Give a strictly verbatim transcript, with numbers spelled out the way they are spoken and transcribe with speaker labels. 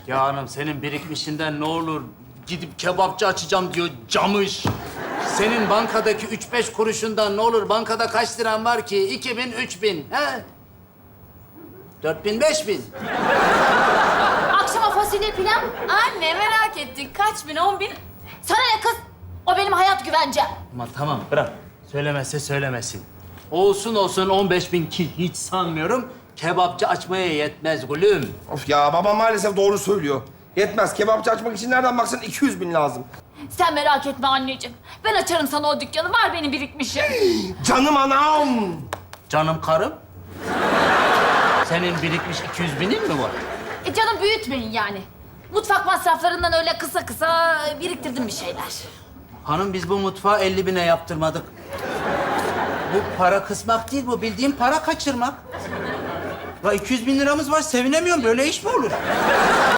Speaker 1: Ya hanım senin birikmişinden ne olur gidip kebapçı açacağım diyor camış. Senin bankadaki üç beş kuruşundan ne olur bankada kaç liran var ki? İki bin, üç bin. He? Dört bin, beş bin.
Speaker 2: Akşama fasulye pilav.
Speaker 3: Anne merak ettik. Kaç bin, on bin?
Speaker 2: Sana ne kız? O benim hayat güvencem.
Speaker 1: Ama tamam bırak. Söylemezse söylemesin. Olsun olsun on beş bin ki hiç sanmıyorum. Kebapçı açmaya yetmez gülüm.
Speaker 4: Of ya, babam maalesef doğru söylüyor. Yetmez. Kebapçı açmak için nereden baksan iki yüz bin lazım.
Speaker 2: Sen merak etme anneciğim. Ben açarım sana o dükkanı. Var benim birikmişim.
Speaker 4: Canım anam!
Speaker 1: Canım karım. Senin birikmiş iki yüz binin mi var?
Speaker 2: E canım büyütmeyin yani. Mutfak masraflarından öyle kısa kısa biriktirdim bir şeyler.
Speaker 1: Hanım biz bu mutfağı elli bine yaptırmadık. Bu para kısmak değil, bu bildiğin para kaçırmak. Ya iki yüz bin liramız var, sevinemiyorum. Böyle iş mi olur?